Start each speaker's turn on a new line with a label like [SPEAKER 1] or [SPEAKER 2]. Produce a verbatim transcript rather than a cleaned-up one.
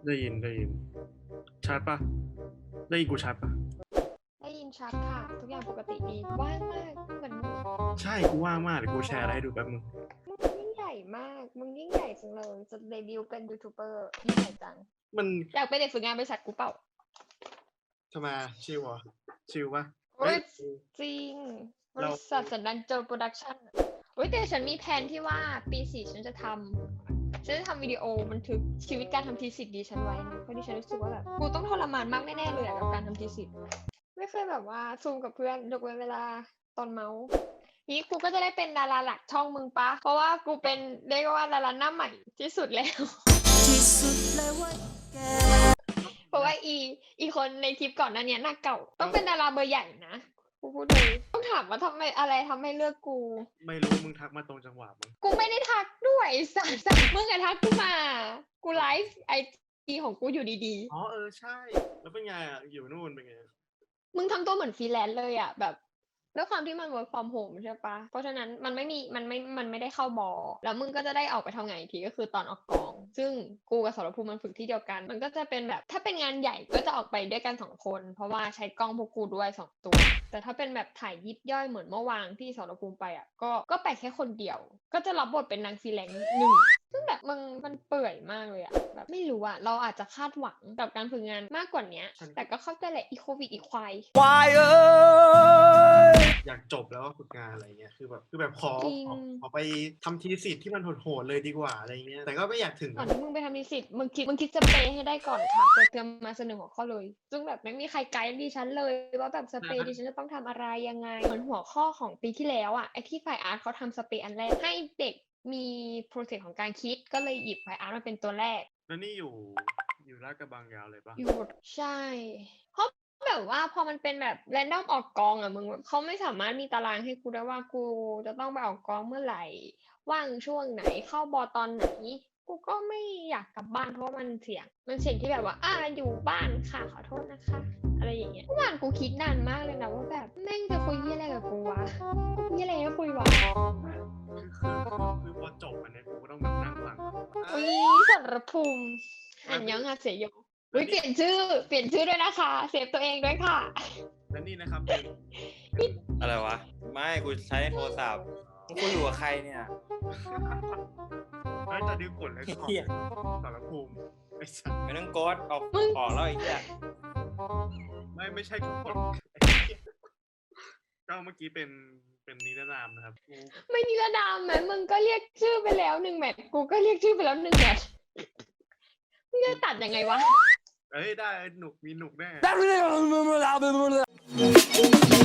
[SPEAKER 1] ได้ยินได้ยินชัดปะได้ยินกูชัดปะ
[SPEAKER 2] ได้ยินชัดค่ะทุกอย่างปกติดีว่างมากเหมือนมึง
[SPEAKER 1] ใช่กูว่างมากเดี๋ยวกูแชร์อะไรให้ดูแป๊บนึง
[SPEAKER 2] มึงยิ่งใหญ่มากมึงยิ่งใหญ่จังเลยจะเดบิวต์เป็นยูทูบเบอร์ยิ่งใหญ่จัง
[SPEAKER 1] มัน
[SPEAKER 2] อยากเป็นเด็กฝึกงานบริษัทกูเปล่า
[SPEAKER 1] ทำไมชิวเหรอชิวปะ
[SPEAKER 2] โอ้
[SPEAKER 1] เฮ้
[SPEAKER 2] ย
[SPEAKER 1] ย
[SPEAKER 2] จริงบ
[SPEAKER 1] เรา
[SPEAKER 2] ริษัทสันดันโจโปรดักชั่นโอ้ยแต่ฉันมีแผนที่ว่าปีสี่ฉันจะทำฉันจะทำวิดีโอบันทึกชีวิตการทำทีสิทธ์ดีฉันไว้นะเพราะดิฉันรู้สึกว่าแบบกูต้องทรมานมากแน่ๆเลยอะกับการทำทีสิทธ์ไม่เคยแบบว่าซูมกับเพื่อนยกเว้นเวลาตอนเมาส์นี้กูก็จะได้เป็นดาราหลักช่องมึงปะเพราะว่ากูเป็นเรียกว่าดาราหน้าใหม่ที่สุดแล้วที่สุดเลยว่าแกเพราะว่าอีอีคนในคลิปก่อนหน้านี้หน้าเก่าต้องเป็นดาราเบอร์ใหญ่นะกูพูดเลยต้องถามว่าทำไมอะไรทำให้เลือกกู
[SPEAKER 1] ไม่รู้มึงทักมาตรงจังหวะมึง
[SPEAKER 2] กูไม่ได้ทักด้วยสารสารมึงอะทักกูมากูไลฟ์ไอจีของกูอยู่ดี
[SPEAKER 1] อ๋อเออใช่แล้วเป็นไงอ่ะอยู่นู่นเป็นไง
[SPEAKER 2] ๆมึงทำตัวเหมือนฟรีแลนซ์เลยอะแบบด้วยความที่มัน work from home ใช่ปะเพราะฉะนั้นมันไม่มีมันไม่มันไม่ได้เข้าบอแล้วมึงก็จะได้ออกไปทำงานอีกทีก็คือตอนออกกองซึ่งกูกับสรภูมิมันฝึกที่เดียวกันมันก็จะเป็นแบบถ้าเป็นงานใหญ่ก็จะออกไปด้วยกันสองคนเพราะว่าใช้กล้องพวกกูด้วยสองตัวแต่ถ้าเป็นแบบถ่ายยิบย่อยเหมือนเมื่อวานที่สรภูมิไปอ่ะก็ก็ไปแค่คนเดียวก็จะรับบทเป็นนางฟรีแลนซ์หนึ่งซึ่งแบบมึงมันเปื่อยมากเลยอะแบบไม่รู้อะเราอาจจะคาดหวังกับการฝึกงานมากกว่านี้แต่ก็เข้าใจแหละอีโควิดอีควาย
[SPEAKER 3] ควายเอ้ย
[SPEAKER 1] อยากจบแล้วฝึกงานอะไรเงี้ยคือแบบคือแบบขอ
[SPEAKER 2] จริง
[SPEAKER 1] ขอขอไปทำทีสิทธิ์ที่มันโหดๆเลยดีกว่าอะไรเงี้ยแต่ก็ไม่อยากถึง
[SPEAKER 2] ก่อนที่มึงไปทำนิสิตมึงคิดมึงคิดสเปรย์ให้ได้ก่อนค่ะเปิดเทอมมาเสนอหัวข้อเลยซึ่งแบบไม่มีใครไกด์ดิฉันเลยว่าแบบสเปรย์ดิฉันจะต้องทำอะไรยังไงเหมือนหัวข้อของปีที่แล้วอะไอที่ฝ่ายอาร์ตเขาทำสเปรย์อันแรกให้เด็กมีโปรเซสของการคิดก็เลยหยิบฝ่ายอาร์ตมาเป็นตัวแรก
[SPEAKER 1] แล้วนี่อยู่อยู่ลาดกระบังยาวเลยปะ
[SPEAKER 2] อยู่ใช่เพราะแบบว่าพอมันเป็นแบบแรนดอมออกกองอะมึงแบบเขาไม่สามารถมีตารางให้กูได้ว่ากูจะต้องไปออกกองเมื่อไหร่ว่างช่วงไหนเข้าบอตอนไหนกูก็ไม่อยากกลับบ้านเพราะว่ามันเสี่ยงมันเสี่ยงที่แบบว่าอ่าอยู่บ้านค่ะขอโทษนะคะอะไรอย่างเงี้ยเมื่อวานกูคิดนานมากเลยนะว่าแบบแม่งจะคุยเหี้ยอะไรกับกูวะคุยอะไรให้คุยวะ
[SPEAKER 1] คือคือคือพอจบอันเนี้ยกูก็ต้องแบบนั่งฟัง
[SPEAKER 2] อุ้ยสรภูมิอันยองฮาเซโยอุ้ยเปลี่ยนชื่อเปลี่ยนชื่อด้วยนะคะเซฟตัวเองด้วยค่ะ
[SPEAKER 1] และนี่นะครับเป็นเป็น
[SPEAKER 3] อะไรวะ ไม่กูใช้โทรศัพท์มึงคุยอยู่กับใครเนี่ย
[SPEAKER 1] ไอ้ตอนนี้กดเลยก่อน
[SPEAKER 3] เหี้ย
[SPEAKER 1] สารภูมิไอ้สัส
[SPEAKER 3] ไม่ต้องกดออกออกแล้วไอ้เหี้ย
[SPEAKER 1] ไม่ไม่ใช่ทุกคนก็เมื่อกี้เป็นเป็นนิรนามนะครับกู
[SPEAKER 2] ไม่นิรนามแม้มึงก็เรียกชื่อไปแล้วหนึ่งแมทกูก็เรียกชื่อไปแล้วหนึ่งแมทมึงจะตัดยังไงวะ
[SPEAKER 1] เอ้ยได้หนุกมีหนุกแน่
[SPEAKER 3] ได้